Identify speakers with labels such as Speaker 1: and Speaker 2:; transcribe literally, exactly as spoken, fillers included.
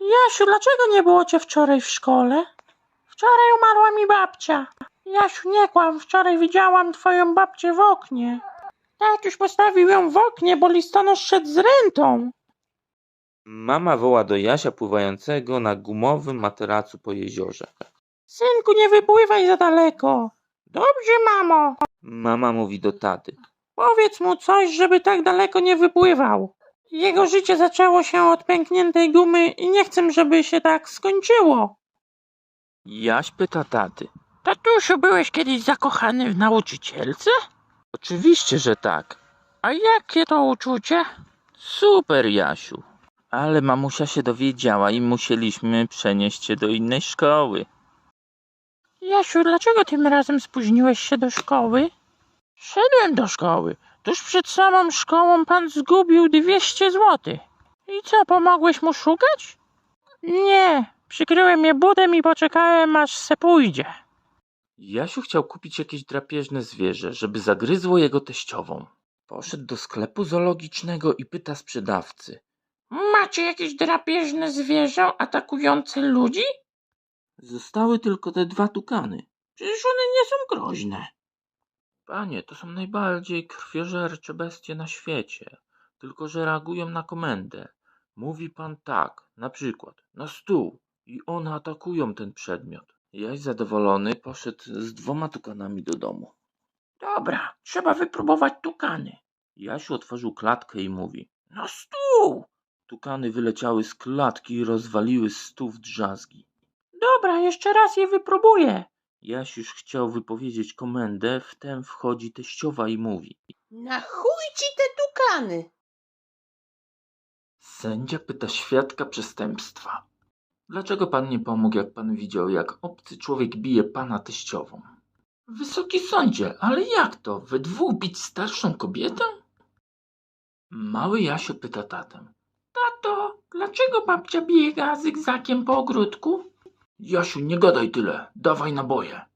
Speaker 1: Jasiu, dlaczego nie było cię wczoraj w szkole? Wczoraj umarła mi babcia. Jasiu, nie kłam, wczoraj widziałam twoją babcię w oknie. Tatuś postawił ją w oknie, bo listonosz szedł z rentą.
Speaker 2: Mama woła do Jasia pływającego na gumowym materacu po jeziorze.
Speaker 1: Synku, nie wypływaj za daleko. Dobrze, mamo.
Speaker 2: Mama mówi do taty.
Speaker 1: Powiedz mu coś, żeby tak daleko nie wypływał. Jego życie zaczęło się od pękniętej gumy i nie chcę, żeby się tak skończyło.
Speaker 2: Jaś pyta taty.
Speaker 1: Tatusiu, byłeś kiedyś zakochany w nauczycielce?
Speaker 2: Oczywiście, że tak.
Speaker 1: A jakie to uczucie?
Speaker 2: Super, Jasiu. Ale mamusia się dowiedziała i musieliśmy przenieść się do innej szkoły.
Speaker 1: Jasiu, dlaczego tym razem spóźniłeś się do szkoły? Szedłem do szkoły. Tuż przed samą szkołą pan zgubił dwieście złotych. I co, pomogłeś mu szukać? Nie, przykryłem je butem i poczekałem, aż se pójdzie.
Speaker 2: Jasiu chciał kupić jakieś drapieżne zwierzę, żeby zagryzło jego teściową. Poszedł do sklepu zoologicznego i pyta sprzedawcy.
Speaker 1: Macie jakieś drapieżne zwierzę atakujące ludzi?
Speaker 2: Zostały tylko te dwa tukany.
Speaker 1: Przecież one nie są groźne.
Speaker 2: Panie, to są najbardziej krwiożercze bestie na świecie. Tylko że reagują na komendę. Mówi pan tak, na przykład, na stół i one atakują ten przedmiot. Jaś zadowolony poszedł z dwoma tukanami do domu.
Speaker 1: Dobra, trzeba wypróbować tukany.
Speaker 2: Jasiu otworzył klatkę i mówi.
Speaker 1: Na stół!
Speaker 2: Tukany wyleciały z klatki i rozwaliły stół w drzazgi.
Speaker 1: Dobra, jeszcze raz je wypróbuję.
Speaker 2: Jaś już chciał wypowiedzieć komendę, wtem wchodzi teściowa i mówi.
Speaker 3: Na chuj ci te tukany!
Speaker 2: Sędzia pyta świadka przestępstwa. Dlaczego pan nie pomógł, jak pan widział, jak obcy człowiek bije pana teściową? Wysoki sądzie, ale jak to? We dwóch bić starszą kobietę? Mały Jasio pyta tatę.
Speaker 1: Tato, dlaczego babcia biega zygzakiem po ogródku?
Speaker 2: Jasiu, nie gadaj tyle, dawaj naboje.